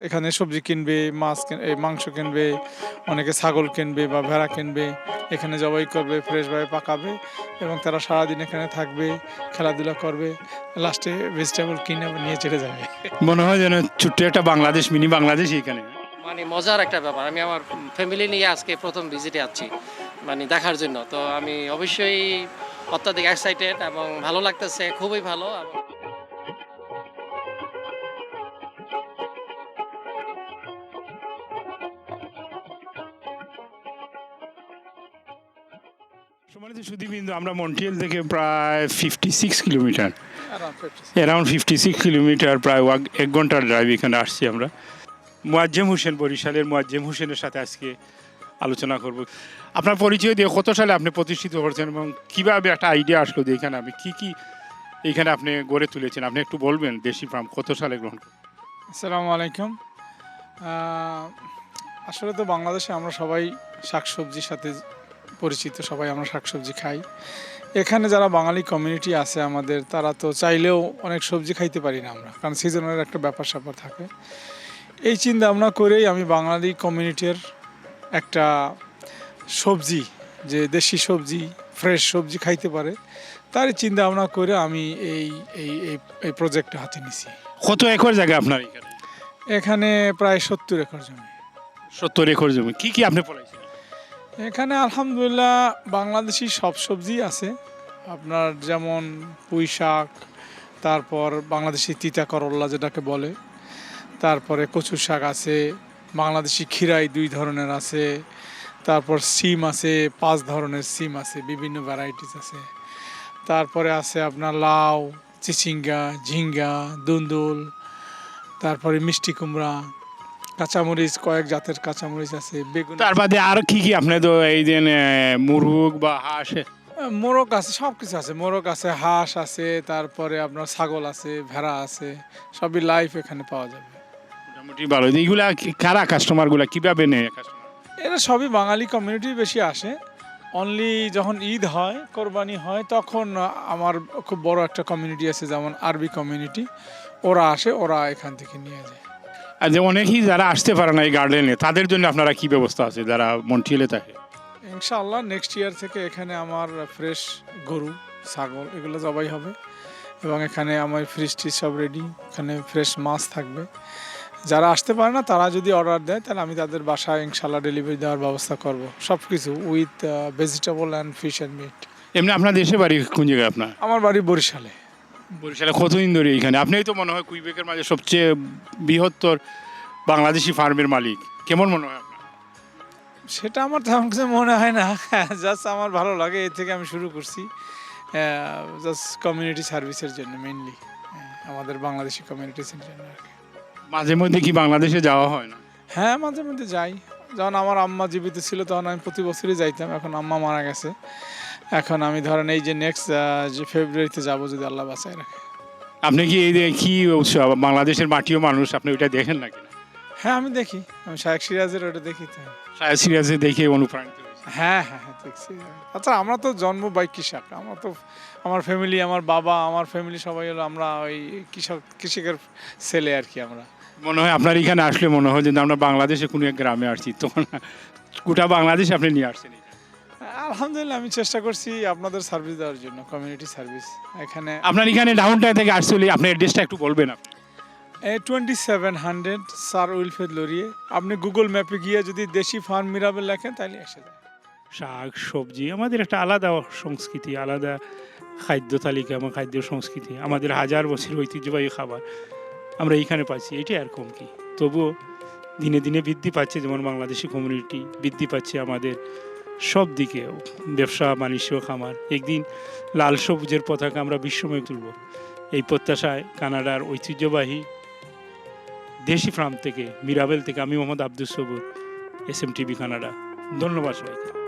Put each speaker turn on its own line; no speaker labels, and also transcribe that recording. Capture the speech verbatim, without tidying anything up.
এখানে সবজি কিনবে, মাছ কিন এই মাংস কিনবে, অনেকে ছাগল কিনবে বা ভেড়া কিনবে। এখানে জবাই করবে, ফ্রেশভাবে পাকাবে এবং তারা সারাদিন এখানে থাকবে, খেলাধুলা করবে। লাস্টে ভেজিটেবল কিনে আবার নিয়ে চলে যাবে।
মনে হয় যেন ছোট্ট একটা বাংলাদেশ, মিনি বাংলাদেশ এখানে।
মানে মজার একটা ব্যাপার। আমি আমার ফ্যামিলি নিয়ে আজকে প্রথম ভিজিটে যাচ্ছি মানে দেখার জন্য। তো আমি অবশ্যই অত্যাধিক এক্সাইটেড এবং ভালো লাগতেছে, খুবই ভালো। এবং
সম্মানিত সুধীবৃন্দ, আমরা মন্ট্রিয়াল থেকে প্রায় fifty six kilometre
Around fifty.
Around fifty six kilometre প্রায় ওয়াক এক ঘন্টার ড্রাইভ এখানে আসছি আমরা। মুয়াজ্জেম হোসেন, বরিশালের মুয়াজ্জেম হোসেনের সাথে আজকে আলোচনা করব। আপনার পরিচয় দিয়ে কত সালে আপনি প্রতিষ্ঠিত করেছেন এবং কীভাবে একটা আইডিয়া আসলো যে এখানে আমি কী কী এখানে আপনি গড়ে তুলেছেন, আপনি একটু বলবেন দেশি ফার্ম কত সালে গ্রহণ করেন?
আসসালামু আলাইকুম। আহ, আসলে তো বাংলাদেশে আমরা সবাই শাকসবজির সাথে পরিচিত, সবাই আমরা শাকসবজি খাই। এখানে যারা বাঙালি কমিউনিটি আছে আমাদের, তারা তো চাইলেও অনেক সবজি খাইতে পারি না আমরা, কারণ সিজনের একটা ব্যাপার স্যাপার থাকে। এই চিন্তা ভাবনা করেই আমি বাঙালি কমিউনিটির একটা সবজি, যে দেশি সবজি, ফ্রেশ সবজি খাইতে পারে, তারই চিন্তা ভাবনা করে আমি এই এই এই এই প্রজেক্টটা হাতে নিছি।
কত একর জায়গা আপনার এখানে?
এখানে প্রায় সত্তর একর জমি।
সত্তর একর জমি। কী কী আপনি ফলাইছেন?
এখানে আলহামদুলিল্লাহ বাংলাদেশি সব সবজি আছে। আপনার যেমন পুঁই শাক, তারপর বাংলাদেশি তিতা করল্লা যেটাকে বলে, তারপরে কচু শাক আছে, বাংলাদেশি খিরাই দুই ধরনের আছে, তারপর সিম আছে, পাঁচ ধরনের সিম আছে, বিভিন্ন ভ্যারাইটিস আছে। তারপরে আছে আপনার লাউ, চিচিঙ্গা, ঝিঙ্গা, দুন্দুল, তারপরে মিষ্টি কুমড়া, কাঁচামরিচ, কয়েক জাতের কাঁচামরিচ আছে, বেগুন,
তার বাদে আর কি কি আপনি তো এই যে মুরগ বা হাঁস?
মোরগ আছে, সব কিছু আছে। মোরগ আছে, হাঁস আছে, তারপরে আপনার ছাগল আছে, ভেড়া আছে, সবই লাইফ এখানে পাওয়া যাবে।
মোটামুটি ভালো। এইগুলা কি- কারা কাস্টমারগুলা কীভাবে নেয় কাস্টমার?
এরা সবই বাঙালি কমিউনিটি বেশি আসে। অনলি যখন ঈদ হয়, কোরবানি হয়, তখন আমার খুব বড় একটা কমিউনিটি আছে, যেমন আরবি কমিউনিটি, ওরা আসে, ওরা এখান থেকে নিয়ে যায়।
আর যে অনেকেই যারা আসতে পারে না এই গার্ডেনে, তাদের জন্য আপনারা কি ব্যবস্থা আছে যারা মন্ট্রিয়ালে থাকে?
ইনশাআল্লাহ নেক্সট ইয়ার থেকে এখানে আমার ফ্রেশ গরু, ছাগল এগুলো জবাই হবে এবং এখানে আমার ফ্রিজ টিজ সব রেডি, এখানে ফ্রেশ মাছ থাকবে। যারা আসতে পারে না তারা যদি অর্ডার দেয়, তাহলে আমি তাদের বাসায় ইনশাআল্লাহ ডেলিভারি দেওয়ার ব্যবস্থা করব, সব কিছু with vegetable and fish and meat.
এমনি আপনার দেশে বাড়ি কোন জায়গায় আপনার?
আমার বাড়ি বরিশালে।
বরিশালে কতদিন ধরে এইখানে? আপনিই তো মনে হয় কুইবেকের মাঝে সবচেয়ে বৃহত্তর বাংলাদেশি ফার্মের মালিক। কেমন মনে হয় আপনার?
সেটা আমার তেমন কিছু মনে হয় না, জাস্ট আমার ভালো লাগে, এর থেকে আমি শুরু করছি, জাস্ট কমিউনিটি সার্ভিসের জন্য মেইনলি, আমাদের বাংলাদেশি কমিউনিটির জন্য আর কি।
মাঝে মধ্যে কি বাংলাদেশে যাওয়া হয় না?
হ্যাঁ, মাঝে মধ্যে যাই। যখন আমার আম্মা জীবিত ছিল তখন আমি প্রতি বছরই যাইতাম, এখন আম্মা মারা গেছে। এখন আমি ধরেন এই যে নেক্সট যে ফেব্রুয়ারিতে যাব, যদি আল্লাহ বাঁচায় রাখে।
আপনি কি এই যে কি উৎসব, বাংলাদেশের মাটিও মানুষ, আপনি ওইটা দেখেন নাকি না?
হ্যাঁ, আমি দেখি, আমি শায়েখ সিরাজের ওটা দেখি তো।
সায়া সিরিয়াসে দেখে অনুপ্রাণিত হয়েছে।
হ্যাঁ হ্যাঁ হ্যাঁ দেখছি। আচ্ছা, আমরা তো জন্ম বাই কৃষক, আমরা তো, আমার ফ্যামিলি, আমার বাবা, আমার ফ্যামিলি সবাই হলো আমরা ওই কৃষক, কৃষকের ছেলে আর কি আমরা।
মনে হয় আপনার এখানে আসলে মনে হয় যে আমরা বাংলাদেশে কোনো এক গ্রামে আসছি, তখন গোটা বাংলাদেশ আপনি নিয়ে আসছেন এখানে।
আলহামদুলিল্লাহ আমি চেষ্টা করছি আপনাদের সার্ভিস দেওয়ার জন্য, কমিউনিটি সার্ভিস। এখানে
আপনার এখানে ডাউন টাউন থেকে আসলে আপনার অ্যাড্রেসটা একটু বলবেন আপনি?
Twenty seven hundred sir Wilfrid Laurier, আপনি গুগল ম্যাপে গিয়ে যদি দেশি ফার্ম মিরাবেল লেখেন তাহলে এসে যায়।
শাক সবজি আমাদের একটা আলাদা সংস্কৃতি, আলাদা খাদ্য তালিকা এবং খাদ্য সংস্কৃতি, আমাদের হাজার বছর ঐতিহ্যবাহী খাবার আমরা এইখানে পাচ্ছি। এটাই আর কম কি। তবুও দিনে দিনে বৃদ্ধি পাচ্ছে, যেমন বাংলাদেশি কমিউনিটি বৃদ্ধি পাচ্ছে আমাদের সব দিকে, ব্যবসা বাণিজ্য, খামার। একদিন লাল সবুজের পতাকা আমরা বিশ্বময় তুলব, এই প্রত্যাশায় কানাডার ঐতিহ্যবাহী দেশি ফার্ম থেকে, মিরাবেল থেকে আমি Mohammad Abdus Sabur, S M TV Canada. ধন্যবাদ সবাইকে।